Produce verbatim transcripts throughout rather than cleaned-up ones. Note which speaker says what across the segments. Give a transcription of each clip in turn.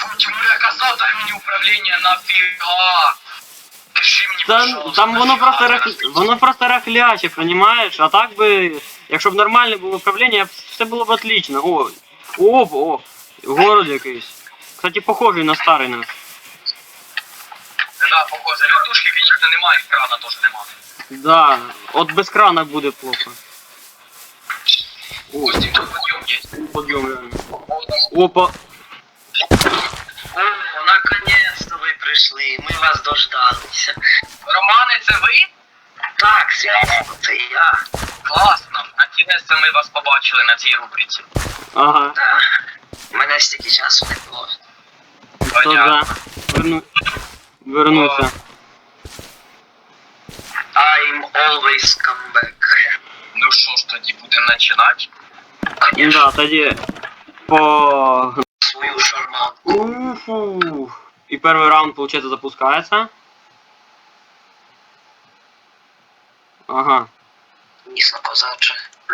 Speaker 1: Чому я казав, дай мені управління нафіга? Пиши мені,
Speaker 2: Та,
Speaker 1: пожалуйста,
Speaker 2: там воно
Speaker 1: нафіга
Speaker 2: просто рах...
Speaker 1: зараз?
Speaker 2: воно просто рахляче, понімаєш? А так би, якщо б нормальне було управління, все було б отлично. О, о, о, город якийсь. Кстати, похожий на старий нас.
Speaker 1: Да, похоже, рятушки, звісно, немає, крана теж немає.
Speaker 2: Да, от без крана буде плохо. О,
Speaker 1: Костюм тут подъем есть.
Speaker 2: подъем реально. Опа.
Speaker 3: О, наконец-то ви прийшли, ми вас дождалися.
Speaker 1: Романе, це ви?
Speaker 3: Так, звісно, це я.
Speaker 1: Класно. Інтересно, ми вас побачили на цій рубриці.
Speaker 2: Ага.
Speaker 3: Так. У мене стільки часу не було.
Speaker 2: То да. Верну... Вернуся.
Speaker 3: I'm always come back.
Speaker 1: Ну що ж, тоді будемо починати?
Speaker 3: Конечно,
Speaker 2: Да, тоді по...
Speaker 3: свою шарманку.
Speaker 2: Уфу. И первый раунд, получается, запускается. Ага.
Speaker 3: Нісно козаче.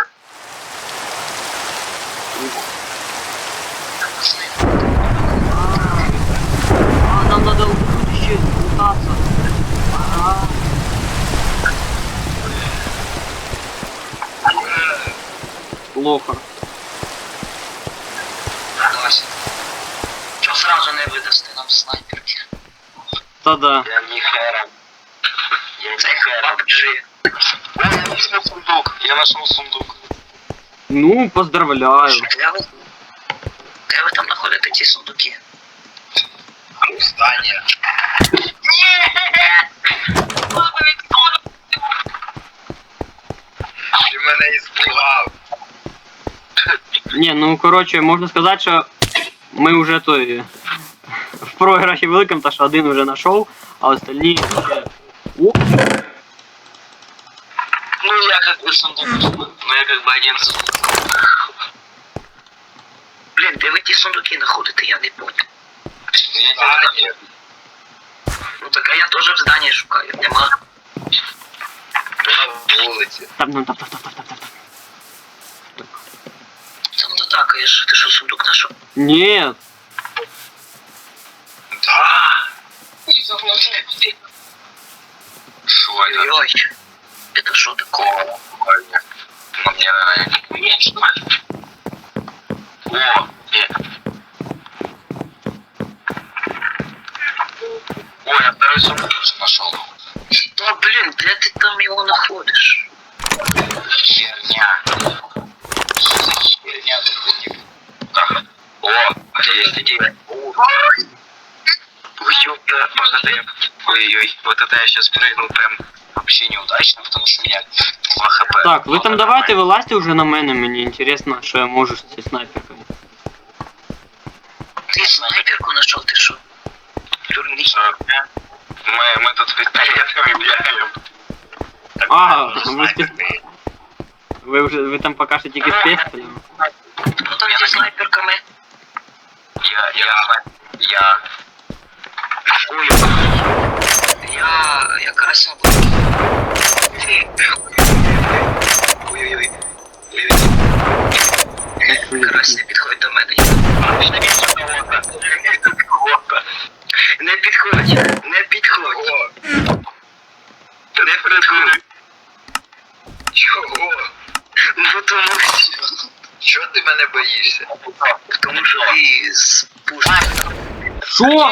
Speaker 2: А, нам надо еще пытаться. Ага. Плохо.
Speaker 3: Чого сразу не видасти нам снайперки?
Speaker 2: Та-да.
Speaker 3: Я не хера. Я це пабджі. О, я нашел сундук. Я нашел сундук.
Speaker 2: Ну, поздравляю.
Speaker 3: Де ви? Де ви там знаходите ці сундуки?
Speaker 1: Здання. Ти мене іспугав.
Speaker 2: Не, ну, короче, можно сказать, что мы уже то и в проигрыше великом, то что один уже нашел, а остальные... О!
Speaker 3: Ну, я как бы сундук. Ну, я как бы один сундук. Блин, де ви ті сундуки знаходите, я не понял.
Speaker 1: Здання.
Speaker 3: Ну так а я теж в зданні шукаю, нема.
Speaker 1: На вулиці.
Speaker 2: Тап, ну, тап, тап, тап, тап, тап, тап.
Speaker 3: Там дотакаєш, ти що сундук знайшов?
Speaker 2: Нет.
Speaker 1: Да. Що це?
Speaker 3: Ой-ой. Это що такое?
Speaker 1: Ну, мне конечно. О, э. Ой, я второй сундук нашел.
Speaker 3: Да блин, де ти там його знаходиш?
Speaker 1: Херня. Херня тут. Так. О, есть идея.
Speaker 3: Ой, ёпта.
Speaker 1: Погоди. Ой-ой, вот это я сейчас прыгнул прям вообще неудачно, потому что у меня два хп.
Speaker 2: Так, ви там давайте вилазьте уже на мене, мені інтересно, що я можу з цією снайперкою.
Speaker 3: Ти снайперку знайшов, ти що? Дурний.
Speaker 1: Мы, мы тут с пистолетами бегаем.
Speaker 2: А, ви, з піс- ви вже ви там поки що тільки з пістолем.
Speaker 3: Хто там зі снайперками?
Speaker 1: Я, я, я.
Speaker 3: Ой, я... я карася буду. Ой-ой-ой. Ой-ой. Карась, не підходь до мене. Не підходь, не підходь. Не придурь.
Speaker 1: Чого?
Speaker 3: Ну тому що...
Speaker 1: Чого ти мене боїшся?
Speaker 3: Тому що ти з пушки.
Speaker 2: Що?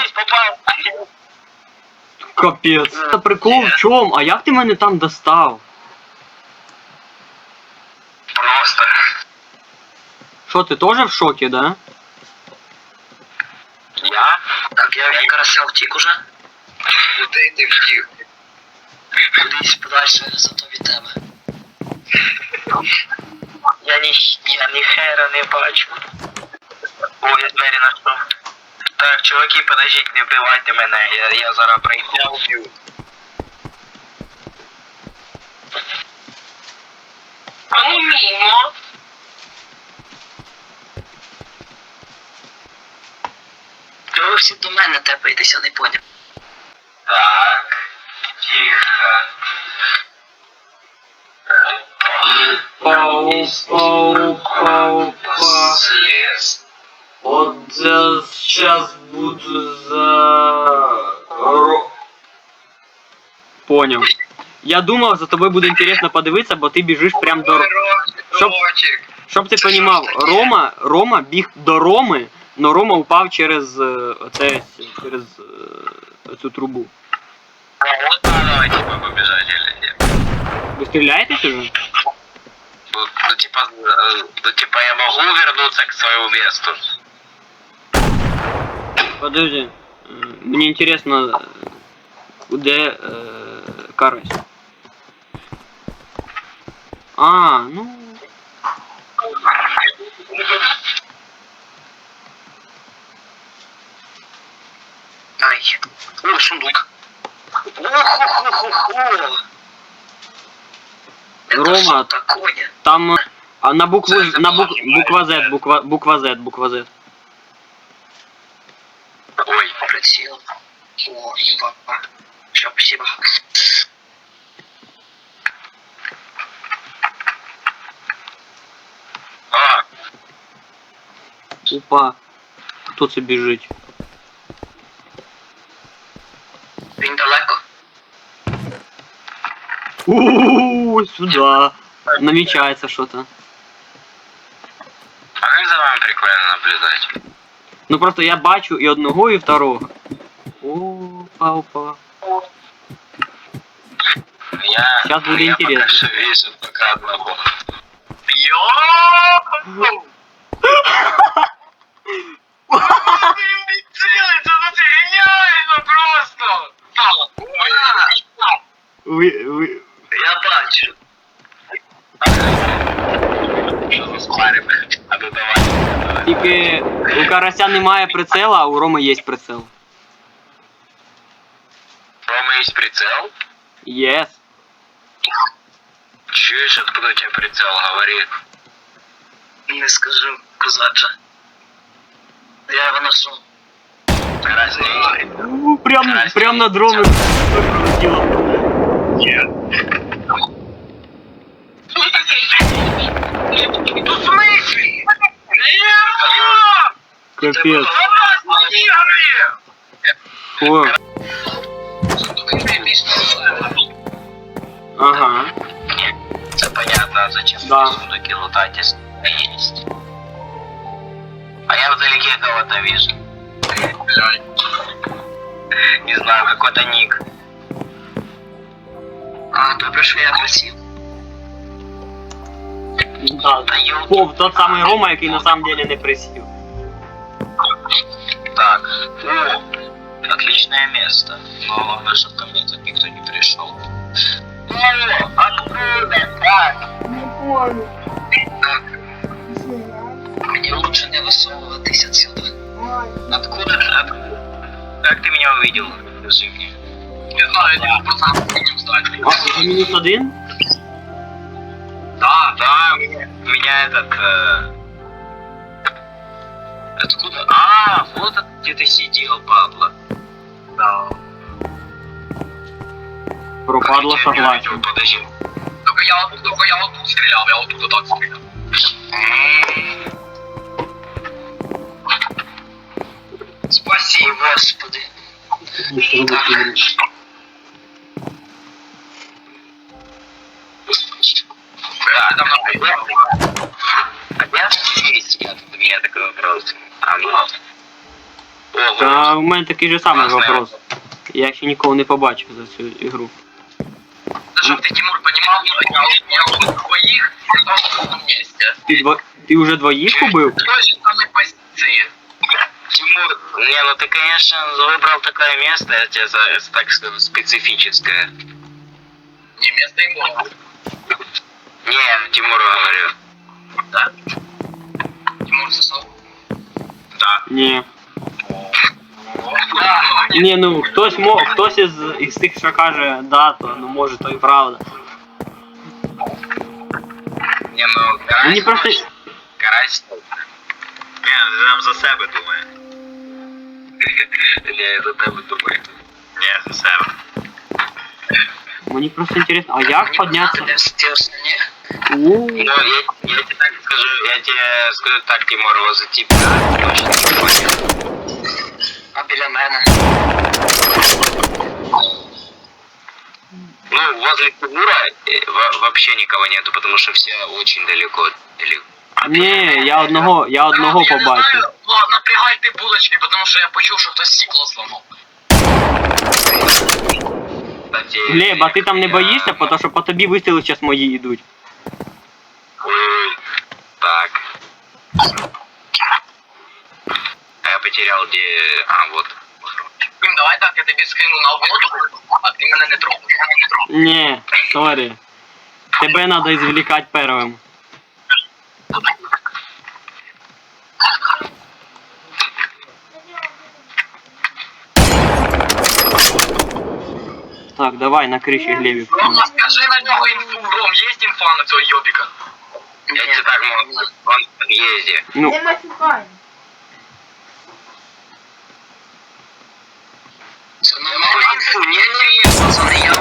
Speaker 2: Капець. Це прикол в чому? А як ти мене там достав?
Speaker 1: Просто.
Speaker 2: Що, ти теж в шокі, да?
Speaker 1: Я?
Speaker 3: Так, я від карася втік уже.
Speaker 1: Куди ти втік?
Speaker 3: Кудись подальше, зато від тебе. Я ні, я ні хера не бачу. О, я двері знайшов. Так, чуваки, подождіть, не вбивайте мене, я, я зараз прийду.
Speaker 1: Я уб'ю.
Speaker 3: А ну мімо. Ви всі до мене тепаєтеся, не поняв.
Speaker 1: Так. Тихо.
Speaker 2: Пау, пау, пау, па.
Speaker 1: Слез.
Speaker 2: От це сейчас буду за... Ро... Понял. Я думав, за тобою буде інтересно подивитися, бо ти біжиш прям до... Щоб, щоб ти розумів, Рома, Рома біг до Роми, но Рома упав через е, оце, через е, цю трубу.
Speaker 1: А вот давай, типа, побежать или нет?
Speaker 2: Ви стріляєтесь уже?
Speaker 1: Ну, ну, типа, э, ну, типа, я могу вернуться к своему месту.
Speaker 2: Подожди. Е, Мені інтересно, де е, карась. А, ну...
Speaker 3: Ай. О, сундук. Ох-хо-хо-хо-хо. Это
Speaker 2: Рома,
Speaker 3: что такое?
Speaker 2: там... А на букву...
Speaker 1: Це
Speaker 2: На бук,
Speaker 1: забагато.
Speaker 2: буква Z, буква, буква Z, буква Z.
Speaker 1: Ой,
Speaker 3: Прицел. О, имба. Все, спасибо.
Speaker 1: а,
Speaker 2: Опа. Хто це біжить?
Speaker 3: Він далеко?
Speaker 2: Ууу, сюда. Намечается что-то.
Speaker 1: а как за вами прикольно наблюдать?
Speaker 2: Ну просто я бачу і одного, і второго. Опа, опа.
Speaker 1: Я,
Speaker 2: Щас будет
Speaker 1: я
Speaker 2: интересно.
Speaker 1: пока что вижу пока одного.
Speaker 2: Ви, ви...
Speaker 3: Я бачу.
Speaker 1: Что за спарим? А ну давай.
Speaker 2: Тільки у карася немає прицела, а у Роми є прицел.
Speaker 1: Рома есть прицел?
Speaker 2: Єс.
Speaker 1: Чуешь, откуда у тебя прицел? Говори.
Speaker 3: Не скажу, козаче. Я його ношу.
Speaker 1: Красней.
Speaker 2: У, Прям, прям над Ромою пролетіло.
Speaker 3: Тут в смысле?
Speaker 2: Капець. О, ага.
Speaker 1: Це понятно, а зачем
Speaker 2: Да.
Speaker 1: сундуки лутать, если есть. А я вдалеке кого-то вижу. Не знаю, какой-то ник.
Speaker 3: А, добре, що я просив.
Speaker 2: Да.
Speaker 3: Та йо.
Speaker 2: О, тот самий Рома, який на самом деле не присів.
Speaker 1: Так. О, отличное место. Но главное, чтобы ко мне тут никто не пришел. О, откуда? Так.
Speaker 3: Так. Мені лучше не висовуватись отсюда.
Speaker 1: Откуда ты? Откуда? Как ты меня увидел? Скажи мне. Не знаю, я просто не встать.
Speaker 2: А, вже мінус один?
Speaker 1: Да, да, меня, меня этот... Э... Откуда? А, вот от- где ты сидел, падла. Да.
Speaker 2: Пропадло
Speaker 1: Как я тебя не
Speaker 2: согласен.
Speaker 1: увидел? Подожди. Только я, только я вот тут стрелял, я вот тут так стрелял.
Speaker 3: Спасибо, Господи.
Speaker 1: Да, там на А я здесь, я тут у меня такой вопрос. А ну. Ого.
Speaker 2: Та у мене такий же самий
Speaker 1: Класний
Speaker 2: вопрос. Я ще нікого не побачив за цю ігру.
Speaker 3: Щоб ти, Тимур, понимал, я я убил двоих в одном месте.
Speaker 2: Ти, дво... Ти вже двоїх убив?
Speaker 3: В той же самой позиции.
Speaker 1: Тимур, не, ну ты, конечно, выбрал такое место, я тебе за, так скажу, специфическое.
Speaker 3: Не место ему.
Speaker 1: Не, Тимуру говорю.
Speaker 3: Да? Тимур сосал.
Speaker 1: Да.
Speaker 2: Ні. Ні, ну хтось мо... хтось із, із тих, що каже да, то ну може то і правда.
Speaker 1: Не, ну, карась...
Speaker 2: Мені просто.
Speaker 1: Карась... Не, він нам за себе думає. Не, я за тебе думаю. Не, за себе.
Speaker 2: Мені просто інтересно, а як піднятися? У,
Speaker 1: Ну, я, я тебе так скажу, я тебе скажу так, Тимур, возле тебя точно не понял.
Speaker 3: возле Тимура э, во- вообще никого нету, потому что все очень далеко. Или...
Speaker 2: Ні, я одного, я одного
Speaker 1: Я не
Speaker 2: побачив.
Speaker 1: знаю, ну, напрягайте булочки, тому що я почув, що хтось стекло зламав.
Speaker 3: Кстати,
Speaker 2: Глеб, а ти там не
Speaker 3: я-
Speaker 2: боїшся, тому що по тобі вистріли зараз мої йдуть.
Speaker 3: Ой, так. А я потерял где... А, вот.
Speaker 1: Блін, давай так, я тобі скину на воду, а ти мене не трогай.
Speaker 2: Ні, сорі. Тебе треба ізвлікати первим. Так, давай на криші Глебик.
Speaker 1: Рома, скажи на нього інфу, Ром, є інфа на цього йобіка?
Speaker 3: Я тебе так могу. Он в подъезде.
Speaker 2: Ну,
Speaker 4: Не матюкай.
Speaker 3: Не-не-не, пацаны, я...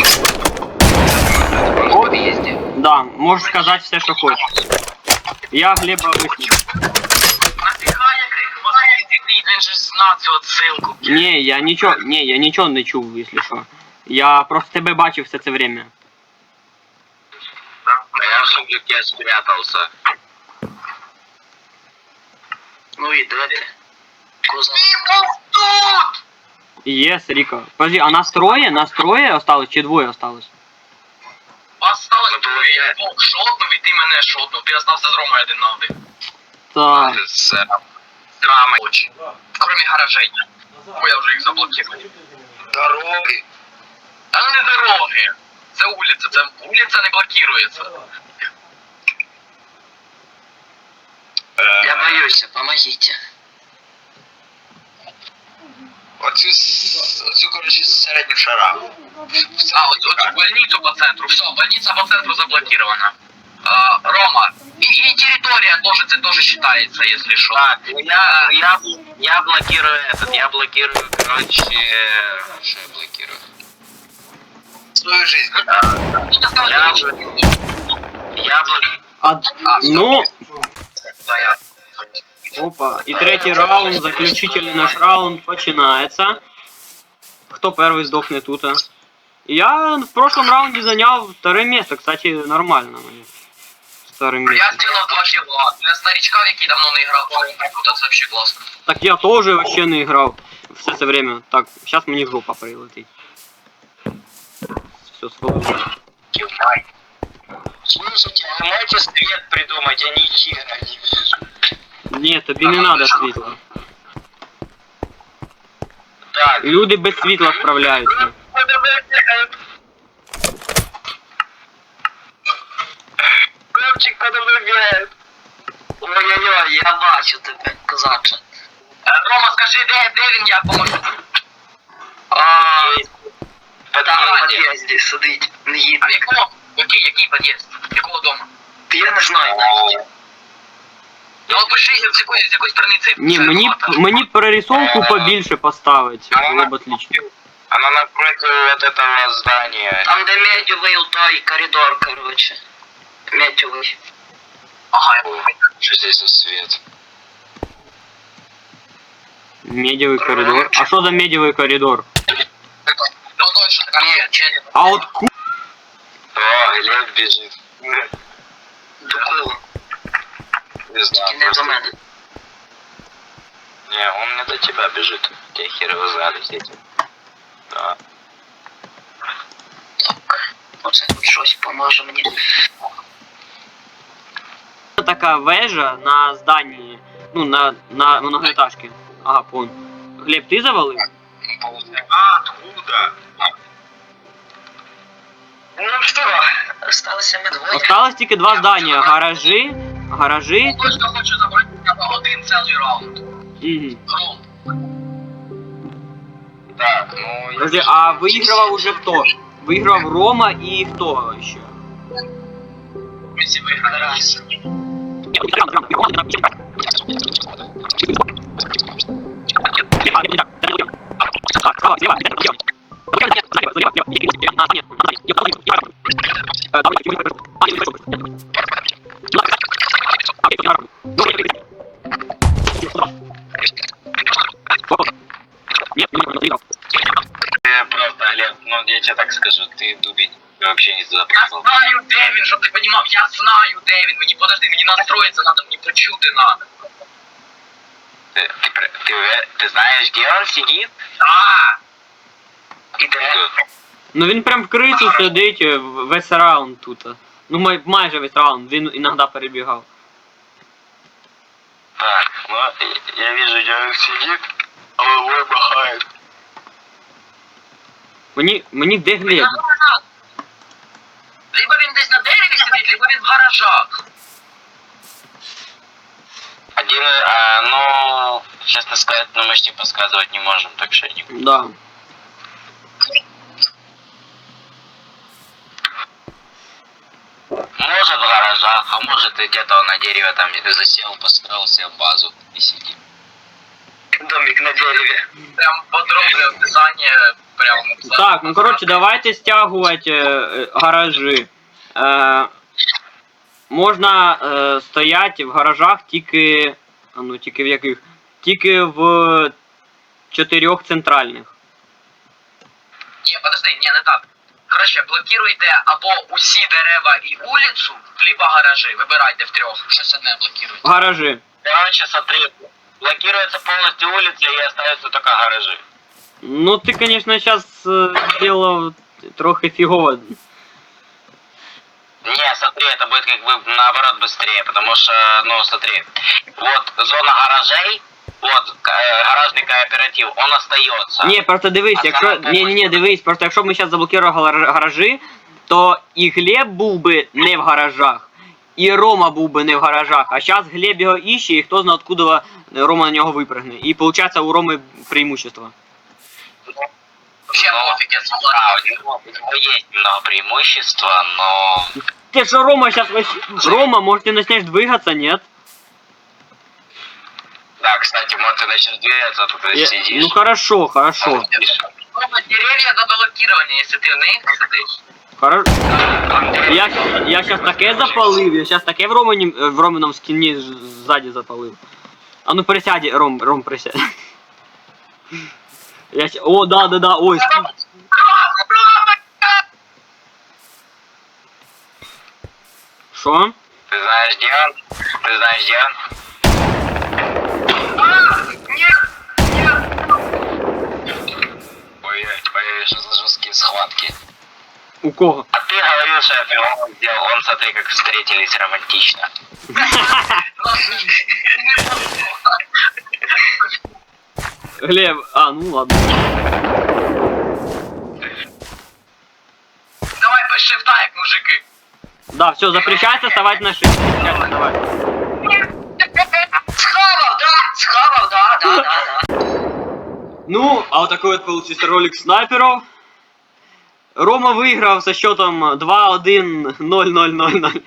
Speaker 3: Он в подъезде.
Speaker 2: да, можеш сказати все, що хочеш. Я Глеба вистрілю.
Speaker 1: Нафіга я крик мозги, він же знав цю отсилку.
Speaker 2: Ні, я нічого, ні, я нічого не чув, якщо що. Я просто тебе бачив все це время.
Speaker 3: А я все-таки спрятался. Ну и да ты. Куза.
Speaker 1: Тут!
Speaker 2: Єс, Ріко. Подожди, а нас троє? Нас троє осталось чи двоє осталось?
Speaker 1: Вас сталося
Speaker 3: Ну,
Speaker 1: двоє, я двох шотнув і ти мене шотнув, ти остався з Ромою один на один.
Speaker 2: Так.
Speaker 3: С драмой.
Speaker 1: Очень. Кроме гаражей. Бо я вже їх заблокував.
Speaker 3: Дороги.
Speaker 1: Та ну не дороги. Це вулиця, це вулиця не блокується.
Speaker 3: Я боюсь, помогите. Оцю, оцю короче, середню шара.
Speaker 1: А, от, от больницю по центру, все, больниця по центру заблокирована. А, Рома, и, и территория тоже, это тоже считается, если что.
Speaker 3: Так, ну я, я, я блокирую этот, я блокирую, короче, что я блокирую? Свою жизнь.
Speaker 1: Ну, ты сказал,
Speaker 3: Я,
Speaker 1: что-
Speaker 3: я блокирую.
Speaker 2: А, ну,
Speaker 1: Да, я.
Speaker 2: опа. І третій раунд, заключительний наш раунд починається. Хто перший здохне тут? а? Я в прошлом раунде занял второе место, кстати, нормально мені. Второе
Speaker 1: Я
Speaker 2: место.
Speaker 1: сделал два килла. Для старичка, який давно не играл, это вообще классно.
Speaker 2: Так я тоже вообще не играл все це время. Так, сейчас мені жопа прилетить. Все, свободно.
Speaker 3: Слушайте, вы можете свет придумать, а не хера не вижу.
Speaker 2: Ні, тобі не надо світла.
Speaker 3: Так,
Speaker 2: Люди без світла справляються.
Speaker 3: Ковчик подобрігає. Ой-ой-ой, я бачу тебе, козаче.
Speaker 1: Рома, скажи, де, де він, я поможу.
Speaker 3: А, там в під'їзді сидить, не їде.
Speaker 1: А в якому? Який, який під'їзд? Якого дому?
Speaker 3: Я не знаю навіть.
Speaker 1: Ну, опиши, з якої, з якої страниці.
Speaker 2: Ні,
Speaker 1: це
Speaker 2: мені,
Speaker 1: була,
Speaker 2: мені перерисовку побільше поставить. Було б отлично.
Speaker 3: Она напротив вот этого здания. Там, где медевый той коридор, короче. Медевый.
Speaker 1: Ага,
Speaker 3: Что здесь за свет?
Speaker 2: Медіевий коридор. А що за медіевий коридор?
Speaker 1: ну точно, нет, челик.
Speaker 2: А от ку...
Speaker 3: О, Глеб бежит. До кого? Не знаю.
Speaker 5: Не до мене.
Speaker 3: Не, он не до тебя бежит. Те хер его знали все эти. Да.
Speaker 5: Так, оце тут щось поможе мені.
Speaker 2: Така вежа на зданні, ну, на, на многоэтажке. Ага, пон. Глеб, ти завалив?
Speaker 3: А, откуда? Ну что?
Speaker 5: Осталося ми двоє.
Speaker 2: Осталось тільки два здання. Гаражі, гаражі.
Speaker 1: Точно хочу забрати на один цілий раунд.
Speaker 2: Угу.
Speaker 1: Ром.
Speaker 3: Так, ну...
Speaker 2: Подожди, а виграв уже хто? Виграв Рома і хто ще?
Speaker 1: Ми всі виграли раз.
Speaker 3: Ты просто, Глеб, ну я тебе так скажу, ты дубень.
Speaker 1: Я вообще не туда
Speaker 3: Я
Speaker 1: пошел.
Speaker 3: знаю, де він, щоб ти понімав, я знаю, де він. Мені, подожди, мені настроїться надо, мені почути надо.
Speaker 1: Ты, ты, про- ты, уве- ты знаешь, где он сидит?
Speaker 3: А! І де?
Speaker 2: Ну він прям в крису сидить е, в- весь раунд тут. Ну май, майже весь раунд, він іноді перебігав.
Speaker 1: Так, ну, я- я вижу, где он сидит, головой махает.
Speaker 2: Мені, мені де Глеб?
Speaker 3: Либо він десь на дереві сидить, либо він в гаражах.
Speaker 1: Один, а, ну, честно сказать, ну, мы ж тебе подсказывать не можем, так что не...
Speaker 2: Да.
Speaker 1: Может в гаражах, а может и где-то он на дереве там засел, построил себе базу и сидит.
Speaker 3: Домик на дереві. Прям подробне описання, прям...
Speaker 2: Так, ну коротше, давайте стягувати е, е, гаражі. Е, можна е, стояти в гаражах тільки. А ну тільки в яких? Тільки в чотирьох центральних.
Speaker 3: Ні, подожди, ні, не так. Короче, блокируйте або усі дерева і вулицю, либо гаражі. Вибирайте в трьох. Щось одне блокируйте.
Speaker 2: Гаражі.
Speaker 1: Короче, смотри, блокируется полностью улица и остаются только гаражи.
Speaker 2: Ну ти, звісно, зараз зробив трохи фігово.
Speaker 1: Не, смотри, это будет как бы наоборот быстрее, потому что, ну, смотри, вот зона гаражей, вот э, гаражный кооператив, он остается.
Speaker 2: Ні, просто дивись,
Speaker 1: А
Speaker 2: якщо.
Speaker 1: саме
Speaker 2: Ні, ні, ні, дивись, просто якщо б ми зараз заблокували гар- гаражі, то і Глеб був би не в гаражах, і Рома був би не в гаражах. А зараз Глеб його іще, і хто знає, откуда Рома на нього випрыгне. І виходить у Роми преимущество.
Speaker 3: Вообще
Speaker 1: Ну,
Speaker 3: пофіг, я
Speaker 1: Да,
Speaker 3: согласен.
Speaker 1: у него, у него есть немного преимущества, но...
Speaker 2: Ты что, Рома сейчас вообще... Рома, может ты начнешь двигаться, нет?
Speaker 1: Да, кстати, может ты начнешь двигаться, а тут ты
Speaker 2: Я-
Speaker 1: сидишь.
Speaker 2: Ну хорошо, хорошо.
Speaker 3: Ну, дерев'я заблокировані, якщо ти в них сидиш.
Speaker 2: Хорошо. Я, щас- я сейчас таке запалив, я сейчас таке в Романі, в Романом скіні ж- ззаді запалив. А ну присядь, Ром, Ром, присядь. Я ща- О, да, да, да, ой. Шо?
Speaker 1: Ты знаешь, где он? Ты знаешь, где он? Ой, ой, что за жесткие схватки.
Speaker 2: У кого?
Speaker 1: А ты говорил, что я фигово сделал. Он, смотри, как встретились романтично.
Speaker 2: Глеб, а, ну ладно.
Speaker 3: Давай без шифта, як мужики.
Speaker 2: Да, все, запрещается вставать на шифт. Запрещается вставать.
Speaker 5: Схавав, да, схавав, да, да, да, да.
Speaker 2: Ну, а вот такой вот получился ролик снайперов. Рома выиграл со счетом два один ноль ноль ноль ноль.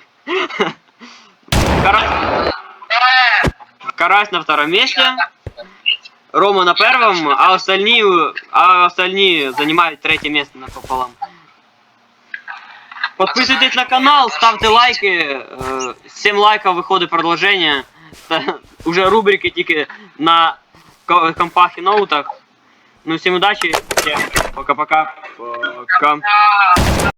Speaker 2: Карась, Карась на втором месте. Рома на первом, а остальные, а остальные занимают третье место напополам. Подписывайтесь на канал, ставьте лайки. э, семь лайков выходит продолжение. Уже рубрики тільки на ко- компах і ноутах. Ну всім удачі, всім пока-пока. Пока.